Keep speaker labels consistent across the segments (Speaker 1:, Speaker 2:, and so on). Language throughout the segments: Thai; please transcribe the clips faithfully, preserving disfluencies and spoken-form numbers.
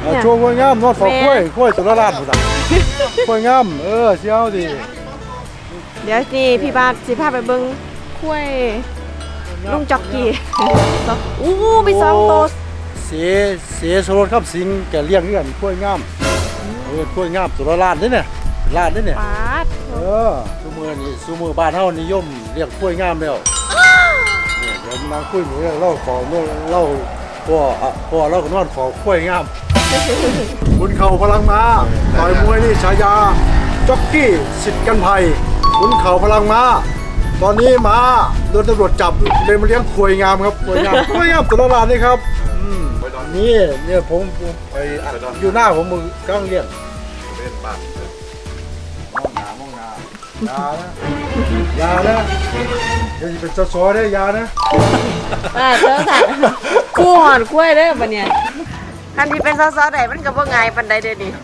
Speaker 1: โชว์กล้วยงามนอดฟอกกล้วยกล้วยสุรราชหมดอ่ะกล้วยงามเออเชี่ยวดิ
Speaker 2: เดี๋ยวนี่พี่บาสสิพาไปเบิ่งกล้วยลุงจ็อกกี้อู้มีสองตัว
Speaker 1: เสียเสียสรสครับสิงแกเลี้ยงกันกล้วยงามเออกล้วยงามสุรราชนี่เนี่ยราชนี่เนี่ย
Speaker 2: ปาด
Speaker 1: เออซูมือนี่ซูมือบ้านเฮานิยมเลี้ยงกล้วยงามแล้วเนี่ยเดี๋ยวนางคุยหนูเรื่องเล่าขอเมื่อเล่าพ่อพ่อเล่ากันว่าขอกล้วยงามคุณเข่าพลังม้าต่อยมวยนี่ฉายาจ็อกกี้สิทธิ์กันภัยคุณเข่าพลังม้าตอนนี้ม้าโดนตำรวจจับเลยมาเลี้ยงกล้วยงามครับกล้วยงามกล้วยงามสุรราชนี่ครับนี่เนี่ยผมไปอยู่หน้าผมมือกำลังเลี้ยงมองหน้ามองหน้ายานะยานะเดี๋ยวจะเป็นซอได้ยานะ
Speaker 2: อ่าเจ้าสัตว์กู้หอนกล้วยเด้อบัดเนี่ยคันที่เป็นซอสๆได้มันก็บ่ง่ายปานใดเด้อนี่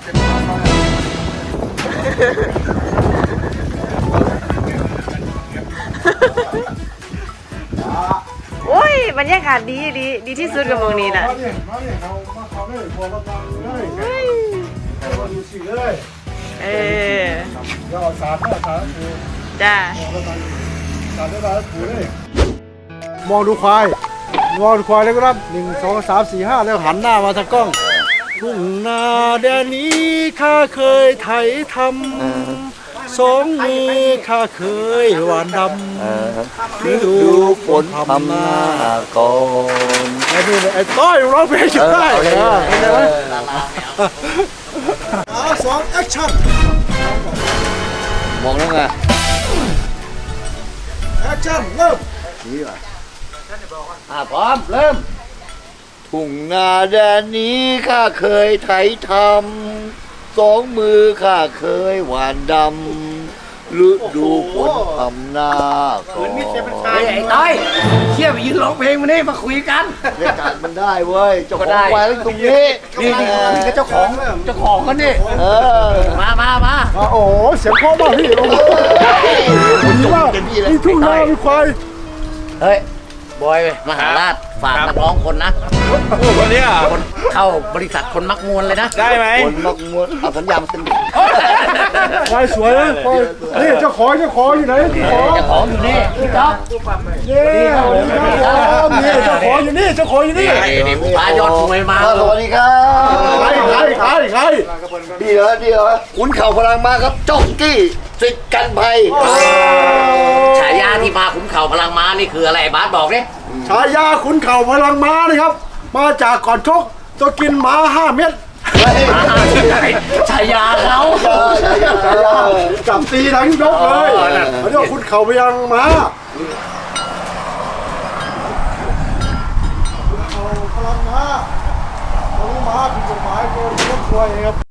Speaker 2: โอ้ยบรรยากาศดีดีดีที่สุดกับเมืองนี้น่ะ
Speaker 1: มาเนี่ยมาเนี่ยเขามาเขาเลยพอเราฟังเลยเราดูสิเลย
Speaker 2: เออ
Speaker 1: เราสาดนะสาดผู
Speaker 2: จ้า
Speaker 1: สาดได้สาดผูเลยมองดูควายมองดูควายเลยครับหนึ่งสองสามสี่ห้าแล้วหันหน้ามาทางกล้องทุ่งนาแดนนี้ข้าเคยไถทำสองมือข้าเคยหวานดำฤดูฝนทำหน้าก่อนไอ้นี่ไอ้ต้อยร้องเพลงอยู่ได้เห็นไหมอาสองแอคชั่น
Speaker 3: มองแล้วไง
Speaker 1: แอคชั่นเริ่ม
Speaker 3: อ่ะพร้อมเริ่มทุ่งนาแดนนี้ข้าเคยไถทำสองมือข้าเคยหวานดำฤดูฝนทำหน้าก่อน
Speaker 4: ไอ้ต้อยเชี่ยไปยืนร้องเพลงมาเนี่ยมาคุยกัน
Speaker 3: เรียกการมันได้เว้ยเจ้าของควายตรงนี้
Speaker 4: นี่นี่นี่ก็เจ้าของเจ้าของกันนี่
Speaker 3: เออ
Speaker 4: มามามา
Speaker 1: โอ้โหเสียงเพราะมากพี่โอ้โหดีมากนี่ทุ่งนามีควาย
Speaker 4: เฮ้ยบอยมหาราชฝากนักร้องคนนะ
Speaker 5: วันนี้อ่ะ
Speaker 4: คนเข้าบริษัทคนมักมวลเลยนะ
Speaker 5: ได้ไหม
Speaker 3: คนมักมวนเอาสัญญาณมาเซ็น
Speaker 1: ควายสวยนะควายนี่เจ้าของเจ้าของอยู่ไหนเจ้าของ
Speaker 4: เจ้าของอยู่นี่พี่จ๊อบ
Speaker 1: นี่นี่เจ้าของอยู่นี่เจ้าของอยู่นี่
Speaker 4: ไอ้นี่พายอดมวยมา
Speaker 3: สวัสดีครับ
Speaker 1: ใครใครใครใคร
Speaker 3: ดีเหรอดีเหรอขุนเข่าพลังมาครับจ็อกกี้สิทธิ์กันภัย
Speaker 4: ฉายาที่มาขุนเข่าพลังม้านี่คืออะไรบาสบอกดิ
Speaker 1: ฉายาขุนเข่าพลังม้านะครับ มาจากก่อนชกจะกินหมาห้าเม็ด
Speaker 4: ฉายาเขา
Speaker 1: จับตีทั้งยกเลยเขาเรียกว่าขุนเข่าพลังม้าขุนเข่าพลังม้าพลังม้าผิดกฎหมายโดนยกควยครับ